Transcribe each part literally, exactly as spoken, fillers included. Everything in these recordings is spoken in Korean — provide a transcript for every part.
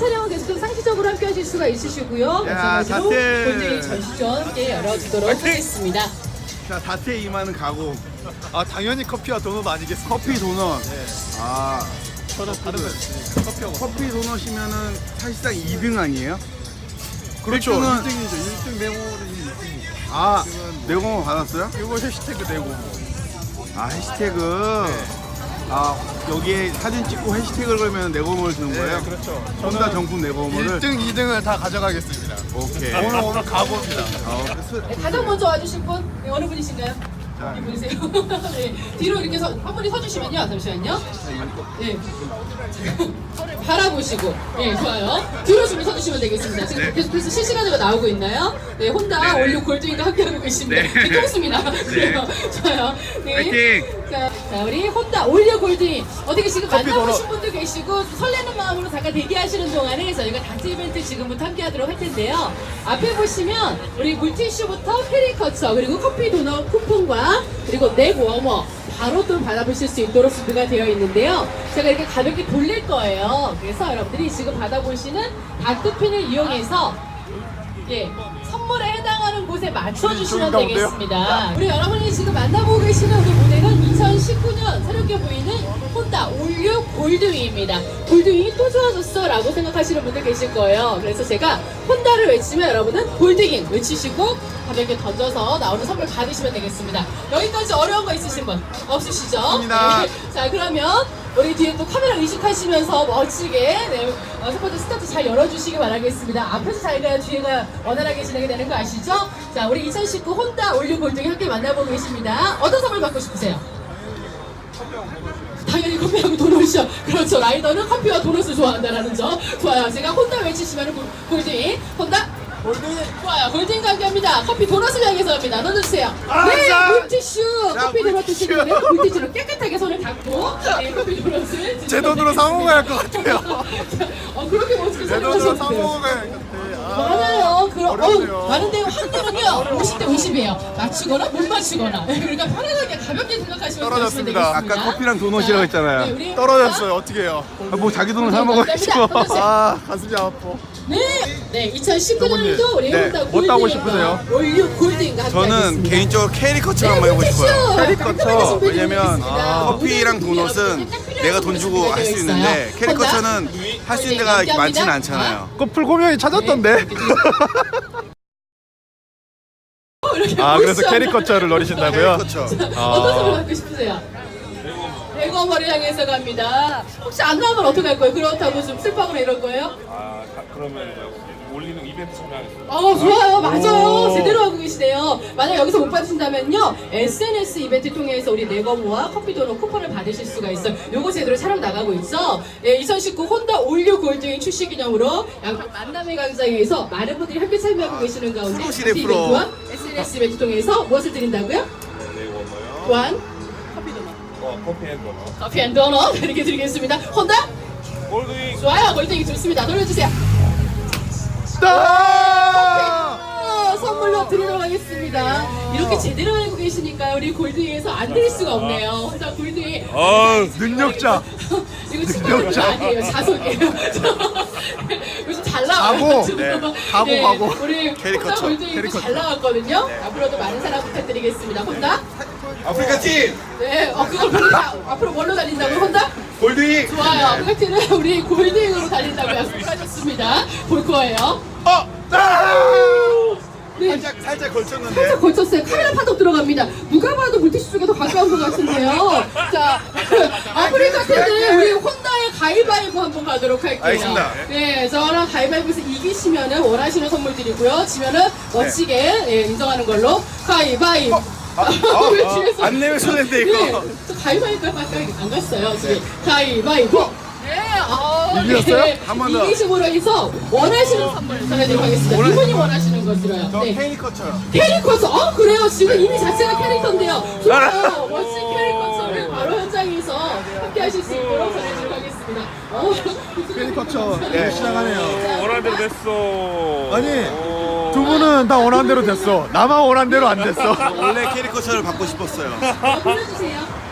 촬영은 계속 상시적으로 함께 하실 수가 있으시고요. 마찬가지로 다트. 골드윙 전시전 함께 열어주도록 화이팅! 하겠습니다. 자, 다트에 임하는 각오. 아 당연히 커피와 도넛 아니겠습니까? 커피 도넛. 네. 아, 저는 다른 거 있으니까 커피하고 커피 도넛이면은 사실상 이 등 아니에요? 그렇죠. 일 등은 일 등이죠. 일 등 네모는 일 등이죠. 아, 지금은 네고모 받았어요? 이거 해시태그 네고. 아, 해시태그. 아, 여기에 사진 찍고 해시태그를 걸면 네고모를 주는 거예요? 네, 그렇죠. 혼다 정품 네고모를. 일 등, 이 등을 다 가져가겠습니다. 오케이. 오늘 오늘 각오입니다. 어, 그래서 네, 가장 먼저 와주실 분 네, 어느 분이신가요? 이분이세요. 네, 뒤로 이렇게 서, 한 분이 서주시면요. 잠시만요. 네. 바라보시고, 네, 좋아요. 뒤로 좀 서주시면 되겠습니다. 지금 네. 계속해서 실시간으로 나오고 있나요? 네, 혼다 네. 올류 골드윙과 함께하고 계십니다. 네. 뒤통수입니다. 그래요. 좋아요. 네. 화이팅! 자, 자, 우리 혼다 올류 골드윙. 어떻게 지금 커피 만나보신 도넛. 분들 계시고 좀 설레는 마음으로 잠깐 대기하시는 동안에 저희가 다트 이벤트 지금부터 함께하도록 할 텐데요. 앞에 보시면 우리 물티슈부터 페리커처 그리고 커피 도넛 쿠폰과 그리고 넥 워머 바로 또 받아보실 수 있도록 준비가 되어 있는데요. 제가 이렇게 가볍게 돌릴 거예요. 그래서 여러분들이 지금 받아보시는 다트핀을 이용해서 예, 선물에 해당하는 곳에 맞춰주시면 저기 되겠습니다. 우리 여러분이 지금 만나보고 계시는 우리 모델은 이천십구 년 새롭게 보이는 혼다 올류 골드윙입니다. 골드윙이 또 좋아졌어 라고 생각하시는 분들 계실 거예요. 그래서 제가 혼다를 외치면 여러분은 골드윙 외치시고 가볍게 던져서 나오는 선물 받으시면 되겠습니다. 여기까지 어려운 거 있으신 분 없으시죠? 없습니다. 네. 자, 그러면 우리 뒤에 또 카메라 의식하시면서 멋지게 네, 어, 첫 번째 스타트 잘 열어주시기 바라겠습니다. 앞에서 잘 가야 뒤에가 원활하게 진행이 되는 거 아시죠? 자, 우리 이천십구 혼다 올류 골드윙 함께 만나보고 계십니다. 어떤 선물 받고 싶으세요? 당연히 커피하고 도넛이요. 그렇죠. 라이더는 커피와 도넛을 좋아한다라는 점. 좋아요. 제가 혼다 외치시면 골드윙, 혼다 골드윙. 좋아요. 골드윙과 함께합니다. 커피 도넛을 향해서 합니다. 넣어주세요. 아, 네, 자. 물티슈. 자, 커피 도넛 물티슈. 드시는 거예요. 물티슈로 깨끗하게 손을 닦고 네, 커피 도넛을 제 돈으로 사 먹어야 할 것 같아요. 어, 그렇게 멋지게 제 돈으로 사 설명하셨어요. 먹어야 할 것 같아요. 많아요. 그럼 어렵네요. 어, 많은데 확률은요 오십 대 오십이에요. 맞추거나 못 맞추거나. 그러니까 편안하게 가볍게 생각하시면 떨어졌습니다. 되겠습니다. 아까 커피랑 도넛이라고 했잖아요. 네, 우리 떨어졌어요. 어떻게 해요? 아, 뭐 자기 돈을 사 먹어야죠. 아 가슴이 아파. 네, 네, 이천십구 년도 우리 네, 혼다 뭐 따고 싶으세요? 올류 골드인가 함께 저는 하겠습니다. 개인적으로 캐리커처 한번 해보고 싶어요. 캐리커처. 왜냐면 커피랑 도넛은 내가 돈 주고 할 수 있는데 캐리커처는 할 수 있는 데가 많지는 않잖아요. 그 풀고명이 찾았던데. 아 그래서 캐리커처를 노리신다고요? 캐리커처. 어떤 선물 받고 싶으세요? 대검머리 향해서 갑니다. 혹시 안 나오면 어떡할 거예요? 그렇다고 좀 슬퍼하거나 이럴 거예요? 아, 가- 그러면 올리는 이벤트 참여하겠습니다. 어, 좋아요. 맞아요. 제대로 하고 계시네요. 만약 여기서 못 받으신다면요, 에스엔에스 이벤트 통해서 우리 네거모와 커피도넛 쿠폰을 받으실 수가 있어요. 요거 제대로 촬영 나가고 있죠? 예, 이천십구 혼다 올류 골드윙 출시 기념으로 양평 만남의 광장에서 많은 분들이 함께 참여하고 계시는 가운데 프로시네, 다트 프로. 이벤트와 에스엔에스 이벤트 통해서 무엇을 드린다고요? 네, 워머요. 또한 어, 커피 앤 도넛. 커피 앤 도넛 이렇게 드리겠습니다. 혼다? 골드윙. 좋아요. 골드윙 좋습니다. 돌려주세요. 아, 선물로 드리도록 하겠습니다. 이렇게 제대로 알고 계시니까 우리 골드윙에서 안 드릴 수가 없네요. 혼자 골드윙. 어, 능력자. 이거 친구분 아니에요. 자석이에요. 요즘 잘 나와요. 가고, 지금. 네. 가고, 네, 가고. 우리 캐리커처, 혼다 골드윙도 캐리커처. 잘 나왔거든요. 앞으로도 많은 사랑 부탁드리겠습니다. 혼다? 아프리카 팀 네, 어, 그걸 보니까 앞으로 뭘로 달린다고 혼다? 골드윙. 좋아요. 아프리카티는 우리 골드윙으로 달린다고 약속하셨습니다. 볼 거예요. 어, 아! 네. 살짝 살짝 걸쳤는데. 살짝 걸쳤어요. 카메라 판독 들어갑니다. 누가 봐도 물티슈 쪽에 더 가까운 것 같은데요. 자, 아프리카티는 우리 혼다의 가위바위보 한번 가도록 할게요. 알겠습니다. 네, 저랑 가위바위보에서 이기시면은 원하시는 선물 드리고요. 지면은 멋지게 예, 인정하는 걸로 가위바위보. 아, 왜 아, 뒤에서- 안 내면 손해인데 이거. 네, 저 가위바위보밖에 안 갔어요. 지금 가위바위보. 네, 아, 이기셨어요? 네. 한번 더. 이기심으로 해서 원하시는 선물 전해드리도록 하겠습니다. 이분이 원하시는 거 들어요. 저 네. 캐리커처요. 캐리커처. 어, 그래요. 지금 이미 자체가 캐릭터인데요. 좋아요. 멋진 캐리커처를 바로 현장에서 함께 하실 수 있도록 전해드리도록 하겠습니다. 어, 캐리커처 네. 시작하네요. 원하는 대로 됐어. 아니 오. 두 분은 다 원하는 대로 됐어. 나만 원하는 대로 안 됐어. 원래 캐리커처를 받고 싶었어요. 어, 불러주세요.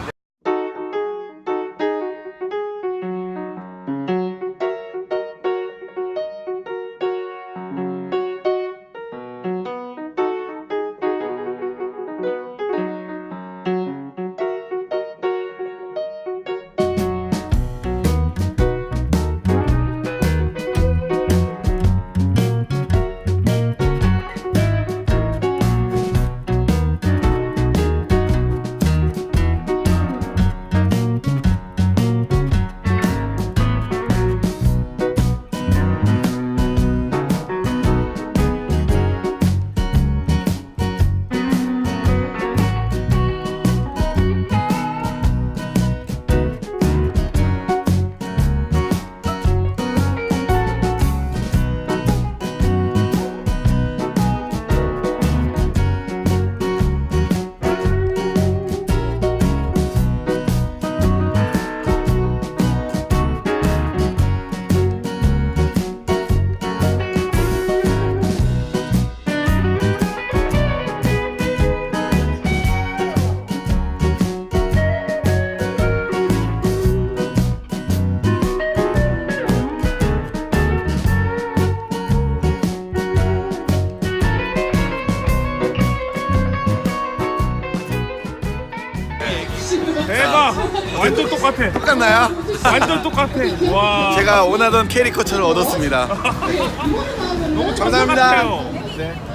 와 완전 똑같아. 똑같나요? 완전 똑같아. 와 제가 원하던 캐리커처를 얻었습니다. 너무 감사합니다. 똑같아요. 네.